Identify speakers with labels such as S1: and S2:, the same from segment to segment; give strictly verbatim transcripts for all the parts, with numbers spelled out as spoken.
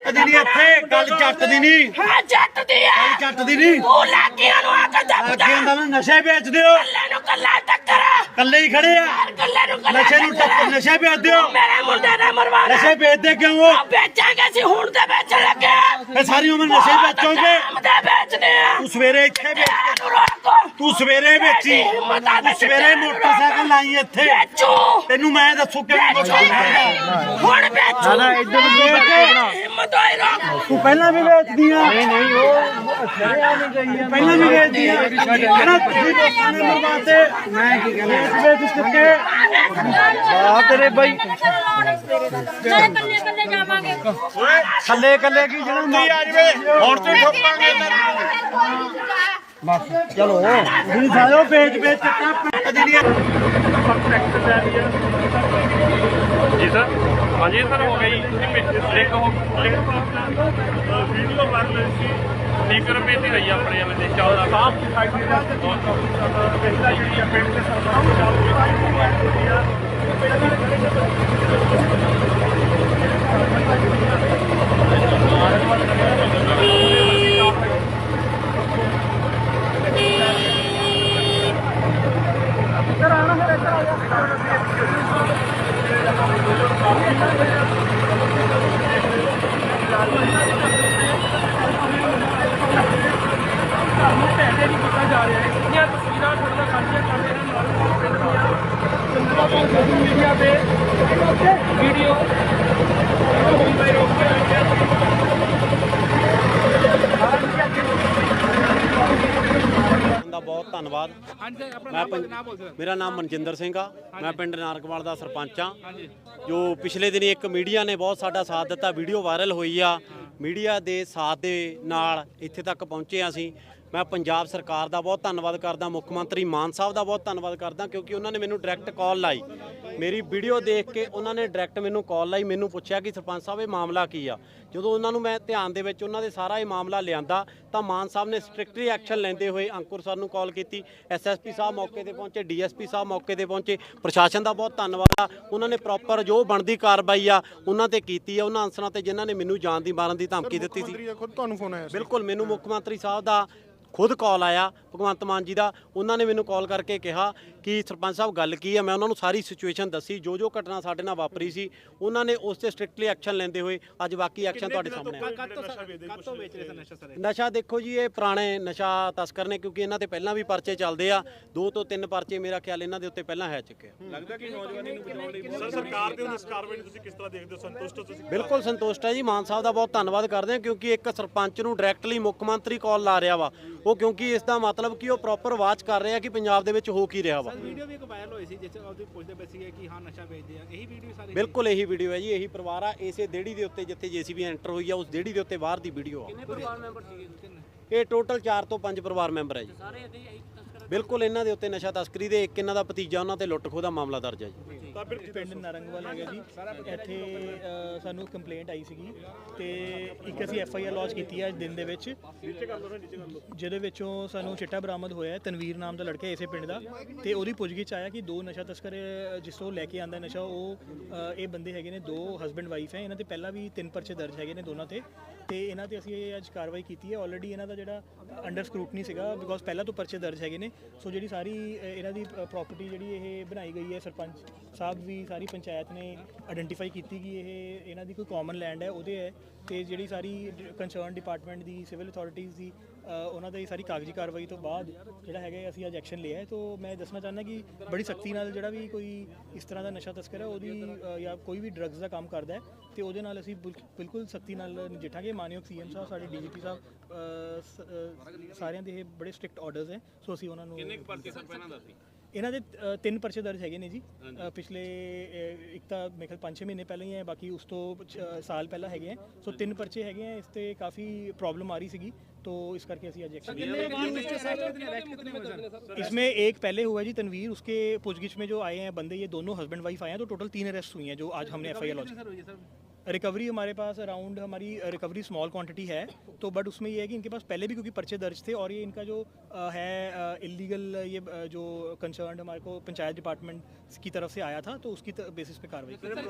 S1: ਜਿਹੜੀ ਇੱਥੇ ਗੱਲ ਜੱਟ ਦੀ ਨਹੀਂ
S2: ਹਾਂ ਜੱਟ ਦੀ ਆ
S1: ਗੱਲ ਜੱਟ ਦੀ ਨਹੀਂ
S2: ਉਹ ਲਾਗੀਆਂ ਨੂੰ ਆ ਕੇ ਦੱਬ
S1: ਅੱਗੇ ਹੁੰਦਾ ਨਾ ਨਸ਼ੇ ਵੇਚਦੇ ਹੋ
S2: ਕੱਲੇ ਨੂੰ ਕੱਲਾ ਟੱਕਰ
S1: ਕੱਲੇ ਹੀ ਖੜੇ ਆ
S2: ਕੱਲੇ ਨੂੰ ਕੱਲਾ
S1: ਨਸ਼ੇ ਨੂੰ ਟੱਕਰ ਨਸ਼ੇ ਵੇਚਦੇ ਹੋ
S2: ਮੇਰੇ ਮੁੰਡੇ ਨੇ ਮਰਵਾਣਾ
S1: ਨਸ਼ੇ ਵੇਚਦੇ ਕਿਉਂ ਹੋ
S2: ਵੇਚਾਂਗੇ ਸੀ ਹੁਣ ਤੇ ਵੇਚਣ ਲੱਗੇ
S1: ਇਹ ਸਾਰੀ ਉਮਰ ਨਸ਼ੇ ਵੇਚੋਗੇ
S2: ਮਦੇ ਵੇਚਦੇ ਆ
S1: ਤੂੰ ਸਵੇਰੇ ਇੱਥੇ ਵੇਚ
S2: ਨੂੰ ਰੋਕੋ
S1: ਤੂੰ ਸਵੇਰੇ ਵੇਚੀ ਤੂੰ ਸਵੇਰੇ ਮੋਟਰਸਾਈਕਲ ਲਾਈ ਇੱਥੇ
S2: ਵੇਚੋ
S1: ਤੈਨੂੰ ਮੈਂ ਦੱਸੂ ਕਿਵੇਂ
S2: ਹੁਣ ਵੇਚੋ
S1: ਨਾ ਇੱਧਰ ਨੂੰ ਬਣਾ
S2: ਹਿੰਮਤ ਹੋਈ ਰੋਕ
S1: ਤੂੰ ਪਹਿਲਾਂ ਵੀ ਵੇਚਦੀ ਆ ਨਹੀਂ ਨਹੀਂ ਉਹ ਛੜਿਆ ਨਹੀਂ ਗਈ ਆ ਪਹਿਲਾਂ ਵੀ ਵੇਚਦੀ ਆ ਕਹਿੰਦਾ ਤੁਸੀਂ ਲੋਕਾਂ ਨੇ ਮਰਵਾਤੇ ਮੈਂ ਕੀ ਕਹਿੰਦਾ ਵੇਚ ਚੁੱਕੇ ਆ ਤੇਰੇ ਬਾਈ
S3: ਕੱਲੇ ਕੱਲੇ ਜਾਵਾਂਗੇ
S1: ਥੱਲੇ ਕੱਲੇ ਕੀ ਜਿਹੜਾ ਨਹੀਂ ਆ ਜਵੇ ਹੁਣ ਤੇ ਠੋਕਾਂਗੇ ਬਸ ਚਲੋ ਤੁਸੀਂ ਸਾਇਓ ਵੇਚ ਵੇਚ ਚੱਕਾ ਜਿਹੜੀਆਂ
S4: जी सर हाँ जी सर हो गई एक हो वीडियो बन रही थी स्पीकर पे ही रही अपने वाले चौदह साफ ਪਹਿਲਾ ਜਿਹੜੀ ਪਿੰਡ ਦੇ ਸਰਪੰਚ मीडिया पे वीडियो
S5: ਦਾ ਬਹੁਤ ਧੰਨਵਾਦ। ਮੈਂ ਮੇਰਾ ਨਾਮ ਮਨਜਿੰਦਰ ਸਿੰਘ ਆ, ਮੈਂ ਪਿੰਡ ਨਾਰਕਵਾਲ ਦਾ ਸਰਪੰਚ ਆ। ਜੋ ਪਿਛਲੇ ਦਿਨੀ ਇੱਕ ਮੀਡੀਆ ਨੇ ਬਹੁਤ ਸਾਡਾ ਸਾਥ ਦਿੱਤਾ, ਵੀਡੀਓ ਵਾਇਰਲ ਹੋਈ ਆ, ਮੀਡੀਆ ਦੇ ਸਾਥ ਦੇ ਨਾਲ ਇੱਥੇ ਤੱਕ ਪਹੁੰਚੇ ਆ ਅਸੀਂ। ਮੈਂ ਪੰਜਾਬ ਸਰਕਾਰ ਦਾ ਬਹੁਤ ਧੰਨਵਾਦ ਕਰਦਾ, ਮੁੱਖ ਮੰਤਰੀ ਮਾਨ ਸਾਹਿਬ ਦਾ ਬਹੁਤ ਧੰਨਵਾਦ ਕਰਦਾ, ਕਿਉਂਕਿ ਉਹਨਾਂ ਨੇ ਮੈਨੂੰ ਡਾਇਰੈਕਟ ਕਾਲ ਲਾਈ। ਮੇਰੀ ਵੀਡੀਓ ਦੇਖ ਕੇ ਉਹਨਾਂ ਨੇ ਡਾਇਰੈਕਟ ਮੈਨੂੰ ਕਾਲ ਲਾਈ, ਮੈਨੂੰ ਪੁੱਛਿਆ ਕਿ ਸਰਪੰਚ ਸਾਹਿਬ ਇਹ ਮਾਮਲਾ ਕੀ ਆ। ਜਦੋਂ ਉਹਨਾਂ ਨੂੰ ਮੈਂ ਧਿਆਨ ਦੇ ਵਿੱਚ ਉਹਨਾਂ ਦੇ ਸਾਰਾ ਇਹ ਮਾਮਲਾ ਲਿਆਂਦਾ ਤਾਂ ਮਾਨ ਸਾਹਿਬ ਨੇ ਸਟ੍ਰਿਕਟਲੀ ਐਕਸ਼ਨ ਲੈਂਦੇ ਹੋਏ ਅੰਕੁਰ ਸਰ ਨੂੰ ਕਾਲ ਕੀਤੀ, ਐਸ ਐਸ ਪੀ ਸਾਹਿਬ ਮੌਕੇ ਤੇ ਪਹੁੰਚੇ, ਡੀ ਐਸ ਪੀ ਸਾਹਿਬ ਮੌਕੇ ਤੇ ਪਹੁੰਚੇ। ਪ੍ਰਸ਼ਾਸਨ ਦਾ ਬਹੁਤ ਧੰਨਵਾਦ ਆ, ਉਹਨਾਂ ਨੇ ਪ੍ਰੋਪਰ ਜੋ ਬਣਦੀ ਕਾਰਵਾਈ ਆ ਉਹਨਾਂ ਤੇ ਕੀਤੀ ਆ, ਉਹਨਾਂ ਅਨਸਰਾਂ ਤੇ ਜਿਨ੍ਹਾਂ ਨੇ ਮੈਨੂੰ ਜਾਨ ਦੀ ਮਾਰਨ ਦੀ ਧਮਕੀ ਦਿੱਤੀ ਸੀ।
S4: ਤੁਹਾਨੂੰ ਫੋਨ ਆਇਆ
S5: ਬਿਲਕੁਲ, ਮੈਨੂੰ ਮੁੱਖ ਮੰਤਰੀ ਸਾਹਿਬ ਦਾ ਖੁਦ ਕਾਲ ਆਇਆ, ਭਗਵੰਤ ਮਾਨ ਜੀ ਦਾ। ਉਹਨਾਂ ਨੇ ਮੈਨੂੰ ਕਾਲ ਕਰਕੇ ਕਿਹਾ ਕਿ ਸਰਪੰਚ ਸਾਹਿਬ ਗੱਲ ਕੀ ਹੈ। ਮੈਂ ਉਹਨਾਂ ਨੂੰ ਸਾਰੀ ਸਿਚੁਏਸ਼ਨ ਦੱਸੀ, ਜੋ ਜੋ ਘਟਨਾ ਸਾਡੇ ਨਾਲ ਵਾਪਰੀ ਸੀ ਉਹਨਾਂ ਨੇ ਉਸ ਤੇ ਸਟ੍ਰਿਕਟਲੀ ਐਕਸ਼ਨ ਲੈਂਦੇ ਹੋਏ ਅੱਜ ਬਾਕੀ ਐਕਸ਼ਨ ਤੁਹਾਡੇ ਸਾਹਮਣੇ ਆ। ਨਸ਼ਾ ਦੇਖੋ ਜੀ, ਇਹ ਪੁਰਾਣੇ ਨਸ਼ਾ ਤਸਕਰ ਨੇ, ਕਿਉਂਕਿ ਇਹਨਾਂ ਤੇ ਪਹਿਲਾਂ ਵੀ ਪਰਚੇ ਚੱਲਦੇ ਆ, ਦੋ ਤੋਂ ਤਿੰਨ ਪਰਚੇ ਮੇਰਾ ਖਿਆਲ ਇਹਨਾਂ ਦੇ ਉੱਤੇ ਪਹਿਲਾਂ ਹੈ ਚੁੱਕੇ ਆ।
S4: ਲੱਗਦਾ ਕਿ ਨੌਜਵਾਨੀ ਨੂੰ ਬਚਾਉਣ ਲਈ ਸਰ ਸਰਕਾਰ ਦੇ ਇਸ ਕਾਰਵਾਈ ਨੂੰ ਤੁਸੀਂ ਕਿਸ ਤਰ੍ਹਾਂ ਦੇਖਦੇ ਹੋ? ਸੰਤੁਸ਼ਟ ਹੋ ਤੁਸੀਂ?
S5: ਬਿਲਕੁਲ ਸੰਤੁਸ਼ਟ ਹੈ ਜੀ, ਮਾਨ ਸਾਹਿਬ ਦਾ ਬਹੁਤ ਧੰਨਵਾਦ ਕਰਦੇ ਹਾਂ, ਕਿਉਂਕਿ ਇੱਕ ਸਰਪੰਚ ਨੂੰ ਡਾਇਰੈਕਟਲੀ ਮੁੱਖ ਮੰਤਰੀ ਕਾਲ ਲਾ ਰਿਹਾ ਵਾ ਉਹ, ਕਿਉਂਕਿ ਇਸ ਦਾ ਮਤਲਬ ਕਿ ਉਹ ਪ੍ਰੋਪਰ ਵਾਚ ਕਰ ਰਿਹਾ ਕਿ ਪੰਜਾਬ ਦੇ ਵਿੱਚ ਹੋ ਕੀ ਰਿਹਾ ਵਾ।
S6: ਵੀਡੀਓ ਵੀ ਇੱਕ ਵਾਇਰਲ ਹੋਈ ਸੀ ਜਿਸ ਵਿੱਚ ਉਹ ਪੁੱਛਦੇ ਪਏ ਸੀ ਕਿ ਹਾਂ ਨਸ਼ਾ ਵੇਚਦੇ ਆ, ਇਹੀ ਵੀਡੀਓ ਸਾਰੀ?
S5: ਬਿਲਕੁਲ ਇਹੀ ਵੀਡੀਓ ਹੈ ਜੀ, ਇਹੀ ਪਰਿਵਾਰ ਆ, ਇਸੇ ਦੇੜੀ ਦੇ ਉੱਤੇ ਜਿੱਥੇ ਜੇਸੀਬੀ ਐਂਟਰ ਹੋਈ ਆ ਉਸ ਦੇੜੀ ਦੇ ਉੱਤੇ ਬਾਹਰ ਦੀ ਵੀਡੀਓ ਆ।
S6: ਕਿੰਨੇ ਪਰਿਵਾਰ ਮੈਂਬਰ ਸੀਗੇ?
S5: ਇਹ ਟੋਟਲ ਚਾਰ ਤੋਂ ਪੰਜ ਪਰਿਵਾਰ ਮੈਂਬਰ ਹੈ ਜੀ।
S6: ਸਾਰੇ ਇਹਦੇ ਹੀ ਤਸਕਰ?
S5: ਬਿਲਕੁਲ, ਇਹਨਾਂ ਦੇ ਉੱਤੇ ਨਸ਼ਾ ਤਸਕਰੀ ਦੇ ਇੱਕ ਇਹਨਾਂ ਦਾ ਭਤੀਜਾ, ਉਹਨਾਂ ਤੇ ਲੁੱਟ ਖੋਹ ਦਾ ਮਾਮਲਾ ਦਰਜ ਹੈ ਜੀ।
S7: ਪਿੰਡ ਨਾਰੰਗਵਾਲ ਹੈਗਾ ਜੀ, ਇੱਥੇ ਸਾਨੂੰ ਕੰਪਲੇਂਟ ਆਈ ਸੀਗੀ ਤੇ ਇੱਕ ਅਸੀਂ ਐਫ ਆਈ ਆਰ ਲੌਂਚ ਕੀਤੀ ਹੈ ਅੱਜ ਦਿਨ ਦੇ ਵਿੱਚ, ਜਿਹਦੇ ਵਿੱਚੋਂ ਸਾਨੂੰ ਚਿੱਟਾ ਬਰਾਮਦ ਹੋਇਆ ਹੈ। ਤਨਵੀਰ ਨਾਮ ਦਾ ਲੜਕਾ ਇਸੇ ਪਿੰਡ ਦਾ, ਤੇ ਉਹਦੀ ਪੁੱਛਗਿੱਛ ਆਇਆ ਕਿ ਦੋ ਨਸ਼ਾ ਤਸਕਰ ਜਿਸ ਤੋਂ ਲੈ ਕੇ ਆਂਦਾ ਨਸ਼ਾ, ਉਹ ਇਹ ਬੰਦੇ ਹੈਗੇ ਨੇ, ਦੋ ਹਸਬੈਂਡ ਵਾਈਫ ਹੈ। ਇਹਨਾਂ ਤੇ ਪਹਿਲਾਂ ਵੀ ਤਿੰਨ ਪਰਚੇ ਦਰਜ ਹੈਗੇ ਨੇ ਦੋਨਾਂ ਤੇ, ਤੇ ਇਹਨਾਂ ਤੇ ਅਸੀਂ ਅੱਜ ਕਾਰਵਾਈ ਕੀਤੀ ਹੈ। ਆਲਰੇਡੀ ਇਹਨਾਂ ਦਾ ਜਿਹੜਾ ਅੰਡਰ ਸਕਰੂਟਨੀ ਸੀਗਾ, ਬਿਕੋਜ਼ ਪਹਿਲਾਂ ਤੋਂ ਪਰਚੇ ਦਰਜ ਹੈਗੇ ਨੇ। ਸੋ ਜਿਹੜੀ ਸਾਰੀ ਇਹਨਾਂ ਦੀ ਪ੍ਰੋਪਰਟੀ ਜਿਹੜੀ ਇਹ ਬਣਾਈ ਗਈ ਹੈ, ਸਰਪੰਚ ਸਾਹਿਬ ਵੀ ਸਾਰੀ ਪੰਚਾਇਤ ਨੇ ਆਇਡੈਂਟੀਫਾਈ ਕੀਤੀ ਕਿ ਇਹ ਇਹਨਾਂ ਦੀ ਕੋਈ ਕਾਮਨ ਲੈਂਡ ਹੈ, ਉਹਦੇ ਹੈ। ਤੇ ਜਿਹੜੀ ਸਾਰੀ ਕੰਸਰਨ ਡਿਪਾਰਟਮੈਂਟ ਦੀ, ਸਿਵਲ ਅਥਾਰਟੀਜ਼ ਦੀ, ਉਹਨਾਂ ਦੀ ਸਾਰੀ ਕਾਗਜ਼ੀ ਕਾਰਵਾਈ ਤੋਂ ਬਾਅਦ ਜਿਹੜਾ ਹੈਗਾ ਅਸੀਂ ਅੱਜ ਐਕਸ਼ਨ ਲਿਆ ਹੈ। ਤੋਂ ਮੈਂ ਦੱਸਣਾ ਚਾਹੁੰਦਾ ਕਿ ਬੜੀ ਸਖਤੀ ਨਾਲ ਜਿਹੜਾ ਵੀ ਕੋਈ ਇਸ ਤਰ੍ਹਾਂ ਦਾ ਨਸ਼ਾ ਤਸਕਰ ਹੈ ਉਹਦੀ ਜਾਂ ਕੋਈ ਵੀ ਡਰੱਗਸ ਦਾ ਕੰਮ ਕਰਦਾ ਹੈ ਤੇ ਉਹਦੇ ਨਾਲ ਅਸੀਂ ਬਿਲਕੁਲ ਸਖਤੀ ਨਾਲ ਨਜਿੱਠਾਂਗੇ। ਮਾਨਯੋਗ ਸੀ ਐਮ ਸਾਹਿਬ, ਸਾਡੇ ਡੀ ਜੀ ਪੀ ਸਾਹਿਬ, ਸਾਰਿਆਂ ਦੇ ਇਹ ਬੜੇ ਸਟ੍ਰਿਕਟ ਆਰਡਰਸ ਹੈ। ਸੋ ਅਸੀਂ ਉਹਨਾਂ ਨੂੰ ਇਹਨਾਂ ਦੇ ਤਿੰਨ ਪਰਚੇ ਦਰਜ ਹੈਗੇ ਨੇ ਜੀ ਪਿਛਲੇ, ਇੱਕ ਤਾਂ ਮੇਰੇ ਖਿਆਲ ਪੰਜ ਛੇ ਮਹੀਨੇ ਪਹਿਲਾਂ ਹੀ ਹੈ, ਬਾਕੀ ਉਸ ਤੋਂ ਸਾਲ ਪਹਿਲਾਂ ਹੈਗੇ ਹੈ। ਸੋ ਤਿੰਨ ਪਰਚੇ ਹੈਗੇ ਹੈ। ਇਸ ਤੇ ਕਾफ़ी प्रॉब्लम आ रही सीगी, तो इस करके ਅਸੀਂ आज एक्शन इसमें एक पहले हुआ जी तनवीर, उसके पूछगिछ में जो आए हैं बंदे, ये दोनों हस्बैंड वाइफ आए हैं, तो टोटल तीन अरेस्ट हुई हैं जो आज हमने F I R launch. Recovery हमारे पास अराउंड हमारी रिकवरी स्मॉल क्वांटिटी है, तो बट उसमें ये है कि इनके पास पहले भी क्योंकि पर्चे दर्ज थे और ये इनका जो अ, है इलीगल ये अ, जो कंसर्न हमारे को पंचायत डिपार्टमेंट की तरफ से आया था, तो उसकी बेसिस पे कार्रवाई की।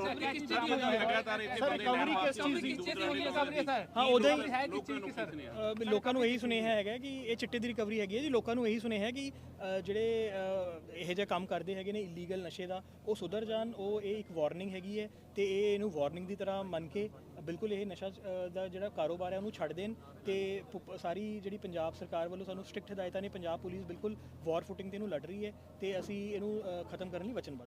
S7: हाँ उदय ਲੋਕਾਂ ਨੂੰ ਇਹੀ ਸੁਨੇਹਾ ਹੈਗਾ ਕਿ ਇਹ ਚਿੱਟੇ ਦੀ ਰਿਕਵਰੀ ਹੈਗੀ ਹੈ ਜੀ। ਲੋਕਾਂ ਨੂੰ ਇਹੀ ਸੁਨੇਹਾ ਹੈ ਕਿ ਅ, ਜਿਹੜੇ ਅ, ਇਹੋ ਜਿਹਾ ਕੰਮ ਕਰਦੇ ਹੈਗੇ ਨੇ ਇਲੀਗਲ ਨਸ਼ੇ ਦਾ, ਉਹ ਸੁਧਰ ਜਾਣ। ਉਹ ਇਹ ਇੱਕ ਵਾਰਨਿੰਗ ਹੈਗੀ ਹੈ ਤੇ ਇਹ ਇਹਨੂੰ ਵਾਰਨਿੰਗ ਦੀ ਤਰ੍ਹਾਂ ਮੰਨ ਕੇ ਬਿਲਕੁਲ ਇਹ ਨਸ਼ਾ ਅ, ਦਾ ਜਿਹੜਾ ਕਾਰੋਬਾਰ ਹੈ ਉਹਨੂੰ ਛੱਡ ਦੇਣ। ਤੇ ਪੁ- ਸਾਰੀ ਜਿਹੜੀ ਪੰਜਾਬ ਸਰਕਾਰ ਵੱਲੋਂ ਸਾਨੂੰ ਸਟ੍ਰਿਕਟ ਹਦਾਇਤਾਂ ਨੇ, ਪੰਜਾਬ ਪੁਲਿਸ ਬਿਲਕੁਲ ਵਾਰ ਫੁਟਿੰਗ ਤੇ ਇਹਨੂੰ ਲੜ ਰਹੀ ਹੈ ਤੇ ਅਸੀਂ ਇਹਨੂੰ ਅ, ਖਤਮ ਕਰਨ ਲਈ ਵਚਨਬੱਧ।